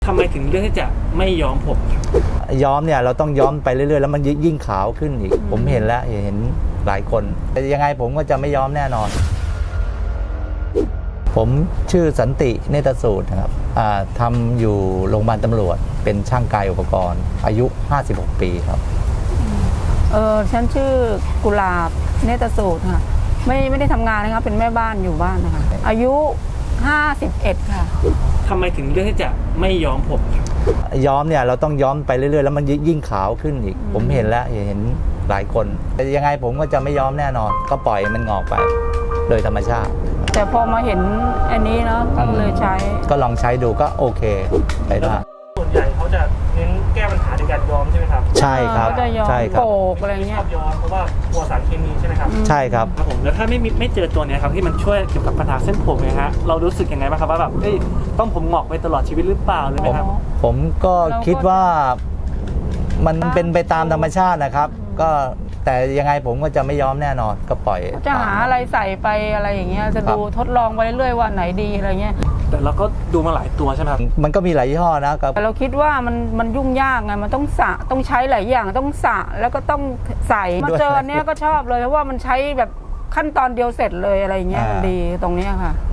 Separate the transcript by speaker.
Speaker 1: ทำไมถึงเลือกที่จะไม่ย้อมผมครับ
Speaker 2: ย้อมเนี่ยเราต้องย้อมไปเรื่อยๆแล้วมันยิ่งขาวขึ้นอีกผมเห็นแล้วเห็นหลายคนแต่ยังไงผมก็จะไม่ย้อมแน่นอนผมชื่อสันติเนตรสูตรนะครับทำอยู่โรงพยาบาลตำรวจเป็นช่างกายอุปกรณ์อายุ56 ปีครับ
Speaker 3: ฉันชื่อกุหลาบเนตรสูตรค่ะไม่ได้ทำงานนะครับเป็นแม่บ้านอยู่บ้านนะคะอายุ51ค่ะ
Speaker 1: ทำไมถึงเลือกที่จะไม่ย้อมผมครับ
Speaker 2: ย้อมเนี่ยเราต้องย้อมไปเรื่อยๆแล้วมันยิ่งขาวขึ้นอีกผมเห็นแล้วเห็นหลายคนแต่ยังไงผมก็จะไม่ย้อมแน่นอนก็ปล่อยมันงอกไปโดยธรรมชาติ
Speaker 3: แต่พอมาเห็นอันนี้เนาะก็เลยใช้
Speaker 2: ก็ลองใช้ดูก็โอเคไปได้
Speaker 1: ส่วนใหญ่เขาจะเน้นแก้ปัญหาด้วยการย้อมใช่ไหมครับ
Speaker 2: ใช่ครับ
Speaker 3: ใช่ครับโกกอะไรเงี้ย
Speaker 1: ชอบย้อมเพราะว่ากลัวสารเคมีใช่ไหมครับ
Speaker 2: ใช่ครับ
Speaker 1: ผมแล้วถ้าไม่เจอตัวนี้ครับที่มันช่วยเกี่ยวกับปัญหาเส้นผมเนี่ยฮะเรารู้สึกยังไงบ้างครับว่าแบบต้องผมงอกไปตลอดชีวิตหรือเปล่าเลยไหมครับ
Speaker 2: ผมก็คิดว่ามันเป็นไปตามธรรมชาตินะครับก็แต่ยังไงผมก็จะไม่ย้อมแน่นอนก็ปล่อย
Speaker 3: จะหาอะไรใส่ไปอะไรอย่างเงี้ยจะดูทดลองไปเรื่อยๆว่าไหนดีอะไรเงี้ย
Speaker 1: แต่เราก็ดูมาหลายตัวใช่ไหมครับ
Speaker 2: มันก็มีหลายยี่ห้อนะครับ
Speaker 3: แต่เราคิดว่ามันยุ่งยากไงมันต้องสระต้องใช้หลายอย่างต้องสระแล้วก็ต้องใส่มาเจอเนี้ยก็ชอบเลยเพราะว่ามันใช้แบบขั้นตอนเดียวเสร็จเลยอะไรเงี้ยมันดีตรงนี้ค่ะ